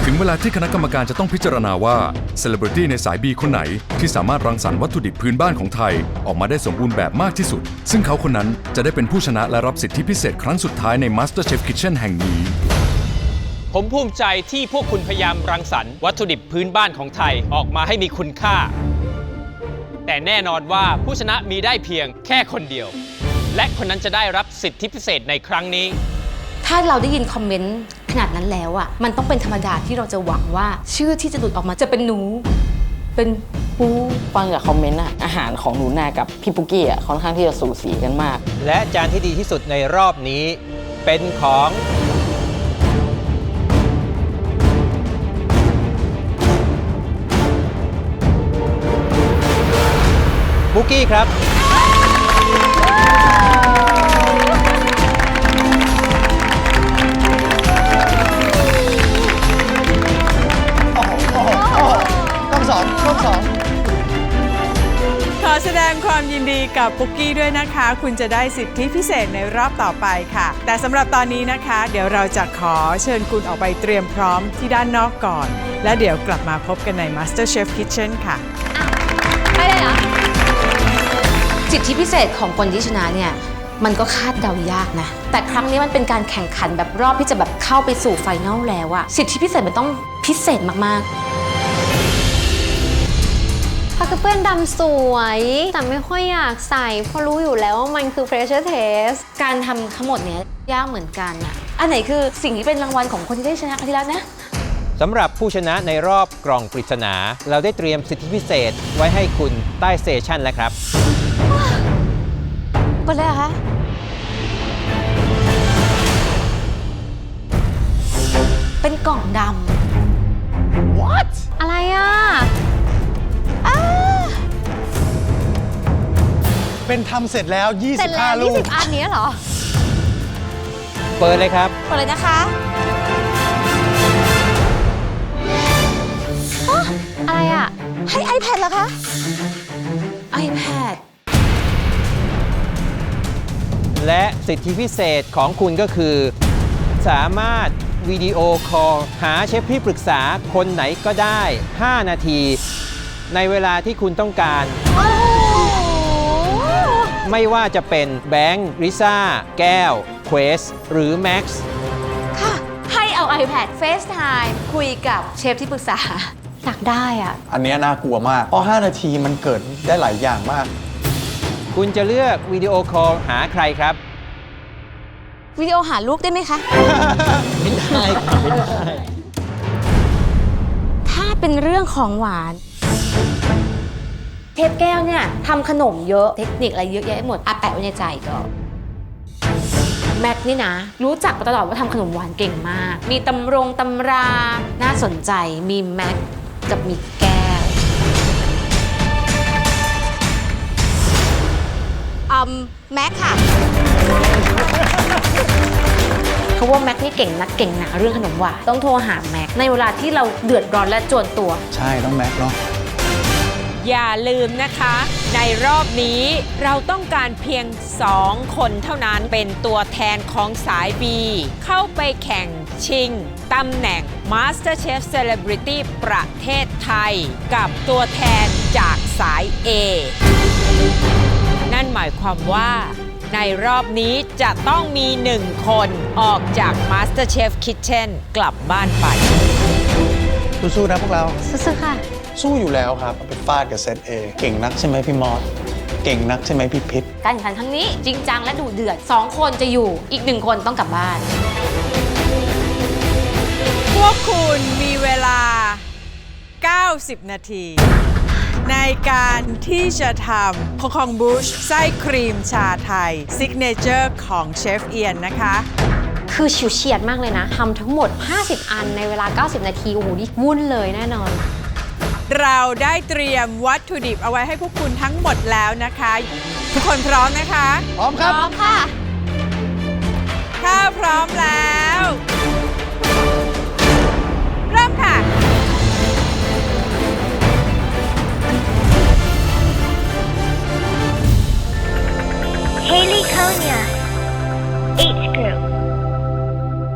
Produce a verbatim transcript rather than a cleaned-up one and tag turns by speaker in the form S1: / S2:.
S1: ถึงเวลาที่คณะกรรมการจะต้องพิจารณาว่าเซเลบริตี้ในสาย B คนไหนที่สามารถรังสรรค์วัตถุดิบพื้นบ้านของไทยออกมาได้สมบูรณ์แบบมากที่สุดซึ่งเขาคนนั้นจะได้เป็นผู้ชนะและรับสิทธิพิเศษครั้งสุดท้ายใน MasterChef Kitchen แห่งนี้
S2: ผมภูมิใจที่พวกคุณพยายามรังสรรค์วัตถุดิบพื้นบ้านของไทยออกมาให้มีคุณค่าแต่แน่นอนว่าผู้ชนะมีได้เพียงแค่คนเดียวและคนนั้นจะได้รับสิทธิพิเศษในครั้งนี้
S3: ถ้าเราได้ยินคอมเมนต์ขนาดนั้นแล้วอ่ะมันต้องเป็นธรรมดาที่เราจะหวังว่าชื่อที่จะหลุดออกมาจะเป็นหนูเป็นปู
S4: ฟังจากคอมเมนต์อะอาหารของหนูนากับพี่ปุกกี้อะค่อนข้างที่จะสูสีกันมาก
S2: และจานที่ดีที่สุดในรอบนี้เป็นของปุกกี้ครับ
S5: สองช่วงสอง
S6: ขอแสดงความยินดีกับปุกกี้ด้วยนะคะคุณจะได้สิทธิพิเศษในรอบต่อไปค่ะแต่สำหรับตอนนี้นะคะเดี๋ยวเราจะขอเชิญคุณออกไปเตรียมพร้อมที่ด้านนอกก่อนและเดี๋ยวกลับมาพบกันใน MasterChef Kitchen ค่ะ
S3: ไปเลยเหรอสิทธิพิเศษของคนที่ชนะเนี่ยมันก็คาดเดายากนะแต่ครั้งนี้มันเป็นการแข่งขันแบบรอบที่จะแบบเข้าไปสู่ไฟนอลแล้วอะสิทธิพิเศษมันต้องพิเศษมากๆ
S7: ผ้ากระเปื้อนดำสวยแต่ไม่ค่อยอยากใส่เพราะรู้อยู่แล้วว่ามันคือ pressure test
S3: การทำทั้งหมดเนี้ยยากเหมือนกันอะอันไหนคือสิ่งที่เป็นรางวัลของคนที่ได้ชนะครั้งที่แล้วนะ
S2: สำหรับผู้ชนะในรอบกล่องปริศนาเราได้เตรียมสิทธิพิเศษไว้ให้คุณใต้สเตชันแล้วครับ
S3: เปิดเลยเหรอคะเป็นกล่องดำ
S5: What
S7: อะไรอ่ะ
S5: เป็นทำเสร็จแล้วยี่สิบห้าลูก
S7: ยี่สิบอันนี้เหรอ
S2: เปิดเลยครับ
S3: เปิดเลยนะคะ
S7: อะไรอ่ะ
S3: ให้ iPad เหรอคะ iPad
S2: และสิทธิพิเศษของคุณก็คือสามารถวิดีโอคอลหาเชฟที่ปรึกษาคนไหนก็ได้ห้านาทีในเวลาที่คุณต้องการไม่ว่าจะเป็นแบงค์ริซ่าแก้วเควสหรือแม็กซ์
S3: ค่ะให้เอา iPad FaceTime คุยกับเชฟที่ปรึกษา
S7: อยากได้อ่ะ
S5: อันนี้น่ากลัวมากเพราะห้านาทีมันเกิดได้หลายอย่างมาก
S2: คุณจะเลือกวิดีโอคอลหาใครครับ
S3: วิดีโอหาลูกได้ไหมคะ
S2: ไม่ได้ครับไม่ได้
S3: ถ้าเป็นเรื่องของหวานเชฟแก้วเนี่ยทำขนมเยอะเทคนิคอะไรเยอะแยะหมดอาแปะไว้ในใจก็แม็กนี่นะรู้จักมาตลอดว่าทำขนมหวานเก่งมากมีตำรงตำราน่าสนใจมีแม็กกับมีแก้วอืมแม็กค่ะเขาว่าแม็กนี่เก่งนักเก่งหนาเรื่องขนมหวานต้องโทรหาแม็กในเวลาที่เราเดือดร้อนและจวนตัว
S5: ใช่ต้องแม็กเนาะ
S6: อย่าลืมนะคะในรอบนี้เราต้องการเพียงสองคนเท่านั้นเป็นตัวแทนของสาย B เข้าไปแข่งชิงตำแหน่ง MasterChef Celebrity ประเทศไทยกับตัวแทนจากสาย A นั่นหมายความว่าในรอบนี้จะต้องมีหนึ่งคนออกจาก MasterChef Kitchen กลับบ้านไป
S5: สู้ๆนะพวกเรา
S7: สู้ๆค่ะ
S5: สู้อยู่แล้วครับไปฟาดกับเซต A เก่งนักใช่ไหมพี่มอสเก่งนักใช่ไหมพี่พิษ
S3: การแข่งขันครั้งนี้จริงจังและดุเดือดสองคนจะอยู่อีกหนึ่งคนต้องกลับบ้าน
S6: พวกคุณมีเวลาเก้าสิบนาทีในการที่จะทำโคคองบูชไส้ครีมชาไทยซิกเนเจอร์ของเชฟเอียนนะคะ
S7: คือฉิวเฉียดมากเลยนะทำทั้งหมดห้าสิบอันในเวลาเก้าสิบนาทีโอ้โหนี่วุ่นเลยแน่นอน
S6: เราได้เตรียมวัตถุดิบเอาไว้ให้พวกคุณทั้งหมดแล้วนะคะทุกคนพร้อมนะคะ
S5: พร้อมครับ
S3: พร้อมค่ะ
S6: ถ้าพร้อมแล้วเริ่มค่ะ
S8: Haley Konya